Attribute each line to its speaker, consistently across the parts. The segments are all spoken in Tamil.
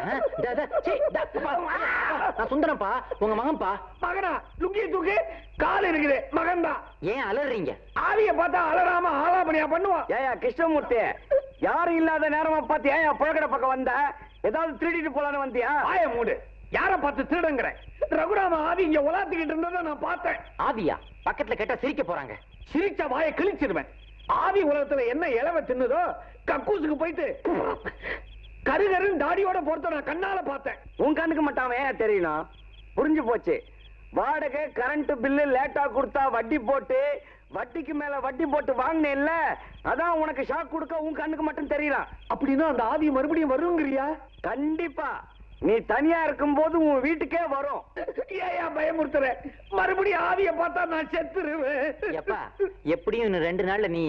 Speaker 1: நான் சுந்தரம்ப்பா, உங்க மகன்பா.
Speaker 2: மகனா? லுங்கிய தூக்கு, கால் இருக்குது, மகன் தான்.
Speaker 1: ஏன் அலறீங்க?
Speaker 2: ஆவிய பார்த்தா அலறாம ஆலாபனியா பண்ணுவான்.
Speaker 3: ஏயா கிருஷ்ணமூர்த்தி, யாரும் இல்லாத நேரமா பார்த்து ஏன் புழக்கடை பக்கம் வந்த? ஏதாவது திருடிட்டு போலான்னு வந்தியா?
Speaker 2: ஆய மூடு. யார பார்த்து திருடுங்கிற? ரகுராம ஆவி இங்க உலாத்திக்கிட்டு இருந்ததை நான் பார்த்தேன்.
Speaker 1: ஆவியா? பக்கத்துல கேட்டா சிரிக்க போறாங்க.
Speaker 2: சிரிச்ச வாயை கிழிச்சிருவேன். ஆவி உலகத்துல என்ன இலவ தின்னுதோ கக்கூசுக்கு போயிட்டு கருகருன்னு தாடியோட பொறுத்த நான் கண்ணால பார்த்தேன்.
Speaker 3: உன் கண்ணுக்கு மட்டும் ஏன் தெரியணும்? புரிஞ்சு போச்சு. வாடகை கரண்ட் பில்லு லேட்டா கொடுத்தா வட்டி போட்டு, வட்டிக்கு மேல வட்டி போட்டு வாங்கினேன்ல, அதான் உனக்கு ஷாக் கொடுக்க உன் கண்ணுக்கு மட்டும் தெரியலாம்.
Speaker 2: அப்படின்னா அந்த ஆவி மறுபடியும் வருங்கிறியா?
Speaker 3: கண்டிப்பா. நீ தனியா இருக்கும் போது உன் வீட்டுக்கே வரும்.
Speaker 2: ஏயா பயமுறுத்துற? மறுபடியும் ஆவிய பார்த்தா நான் செத்துருவேன்.
Speaker 1: எப்பா, எப்படியும் இன்னும் 2 நாள்ல நீ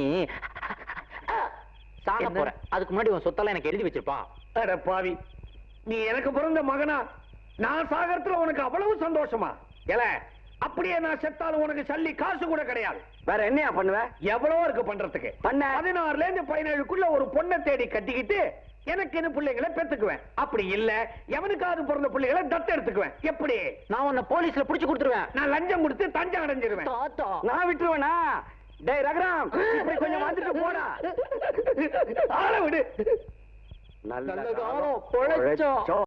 Speaker 1: சாக போற. அதுக்கு முன்னாடி உன் சொத்தெல்லாம் எனக்கு எழுதி வச்சிருப்பா.
Speaker 2: அட பாவி, நீ எனக்கு பிறந்த மகனா? நான் சாகரத்துல உனக்கு அவ்வளவு சந்தோஷமா? ஏல, அப்படியே நான் செத்தாலும் உனக்கு சல்லி காசு கூட கிடையாது.
Speaker 3: வேற என்னையா பண்ணுவ?
Speaker 2: எவ்வளவு இருக்கு பண்றதுக்கு.
Speaker 3: பண்ண
Speaker 2: 16ல இருந்து 17க்குள்ள ஒரு பொண்ணை தேடி கட்டிக்கிட்டு எனக்கு பிள்ளைங்களை பெத்துக்குவேன். அப்படி இல்ல எவனுக்காவது பிறந்த பிள்ளைகளை தத்து எடுத்துக்குவேன். எப்படி?
Speaker 1: நான் உன்னை போலீஸ்ல புடிச்சு கொடுத்துருவேன்.
Speaker 2: நான் லஞ்சம் கொடுத்து தஞ்சம் அடைஞ்சிருவேன்.
Speaker 1: தாத்தா,
Speaker 3: நான் விட்டுருவேனா? டேய் ரகுராம், இப்படி கொஞ்சம் வந்துட்டு போடா.
Speaker 2: ஆள விடு.
Speaker 3: நல்ல
Speaker 1: காலம் பொழைச்சோம்.